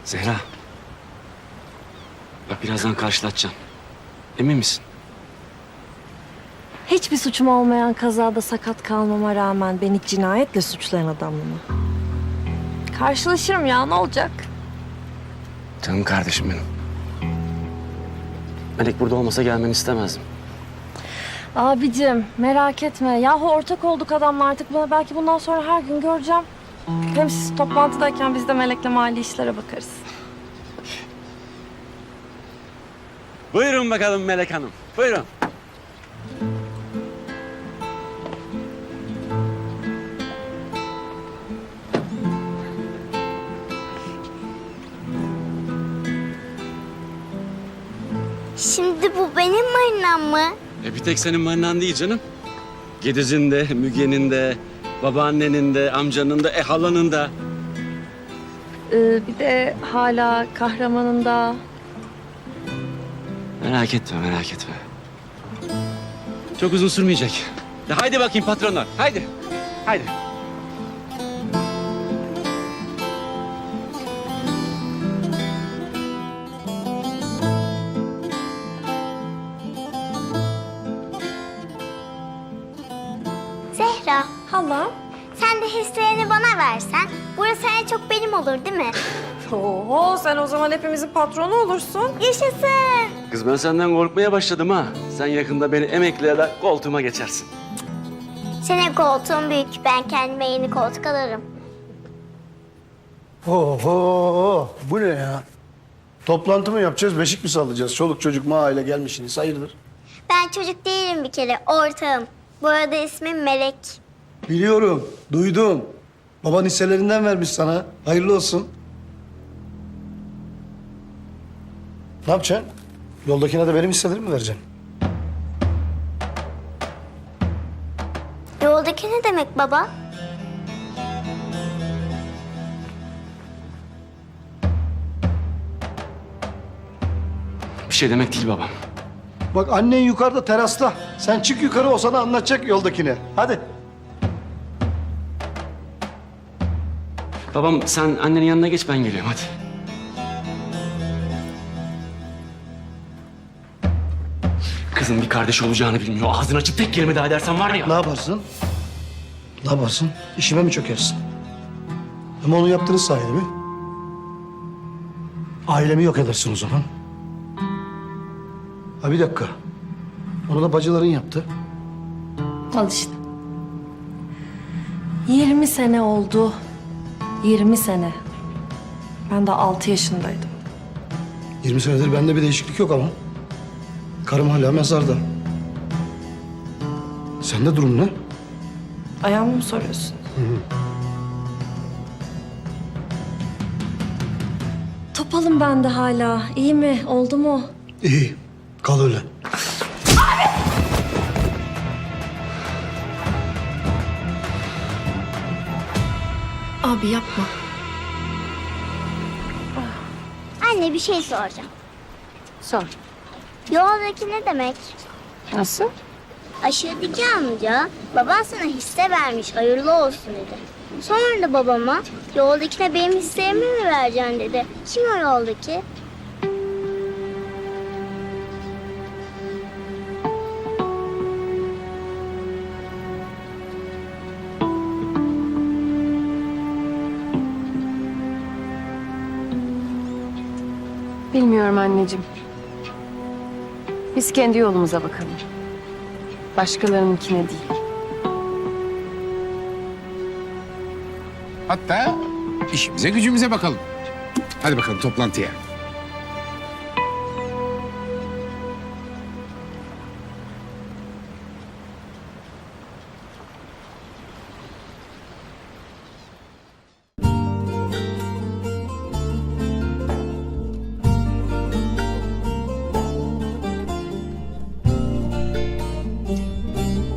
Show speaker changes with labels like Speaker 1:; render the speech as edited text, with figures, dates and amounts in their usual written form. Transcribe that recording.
Speaker 1: Zehra. Bak birazdan karşılatacağım. Emin misin?
Speaker 2: Hiçbir suçum olmayan kazada sakat kalmama rağmen beni cinayetle suçlayan adamla mı? Karşılaşırım ya, ne olacak?
Speaker 1: Canım kardeşim benim. Melek burada olmasa gelmeni istemezdim.
Speaker 2: Abicim merak etme. Yahu ortak olduk adamla artık. Belki bundan sonra her gün göreceğim. Hem siz toplantıdayken biz de Melek'le mali işlere bakarız.
Speaker 1: Buyurun bakalım Melek Hanım. Buyurun.
Speaker 3: Şimdi bu benim marinam mı?
Speaker 1: Bir tek senin marinan değil canım. Gediz'in de, Müge'nin de, babaannenin de, amcanın da, halanın da.
Speaker 2: Bir de hala kahramanın da.
Speaker 1: Merak etme, merak etme. Çok uzun sürmeyecek. Haydi bakayım patronlar, haydi. Haydi.
Speaker 3: Zehra,
Speaker 2: Hala.
Speaker 3: sen de hislerini bana versen, burası en çok benim olur değil mi?
Speaker 2: Oho, sen o zaman hepimizin patronu olursun.
Speaker 3: Yaşasın!
Speaker 1: Kız ben senden korkmaya başladım ha. Sen yakında beni emekleyerek koltuğuma geçersin.
Speaker 3: Senin koltuğun büyük, ben kendime yeni koltuk alırım.
Speaker 4: Oho, bu ne ya? Toplantı mı yapacağız, beşik mi sallayacağız? Çoluk çocuk mahalle gelmişsiniz, hayırdır?
Speaker 3: Ben çocuk değilim bir kere, ortağım. Bu arada ismim Melek.
Speaker 4: Biliyorum, duydum. Baban hisselerinden vermiş sana. Hayırlı olsun. Ne yapacaksın? Yoldakine de benim hisselerimi mi vereceksin?
Speaker 3: Yoldaki ne demek baba?
Speaker 1: Bir şey demek değil babam.
Speaker 4: Bak annen yukarıda terasta. Sen çık yukarı, o sana anlatacak yoldakine. Hadi.
Speaker 1: Babam sen annenin yanına geç, ben geliyorum hadi. Kızın bir kardeş olacağını bilmiyor. Ağzını açıp tek kelime daha edersen var ya.
Speaker 4: Ne yaparsın? Ne yaparsın? İşime mi çökersin? Ama onu yaptığınız sayede mi? Ailemi yok edersin o zaman. Ha bir dakika. Onu da bacıların yaptı.
Speaker 2: Al işte. 20 sene oldu. 20 sene. Ben de 6 yaşındaydım.
Speaker 4: 20 senedir bende bir değişiklik yok ama. Karım hala mezarda. Sende durum ne?
Speaker 2: Ayağımı mı soruyorsun? Topalım ben de hala. İyi mi? Oldu mu?
Speaker 4: İyi. Kal öyle.
Speaker 2: Abi yapma.
Speaker 3: Anne bir şey soracağım.
Speaker 2: Sor.
Speaker 3: Yoldaki ne demek?
Speaker 2: Nasıl?
Speaker 3: Aşağıdaki amca, baban sana hisse vermiş, hayırlı olsun dedi. Sonra da babama, yoldakine benim hislerimi mi vereceksin dedi. Kim o yoldaki?
Speaker 5: Bilmiyorum anneciğim. Biz kendi yolumuza bakalım. Başkalarınınkine değil.
Speaker 6: Hatta işimize gücümüze bakalım. Hadi bakalım toplantıya.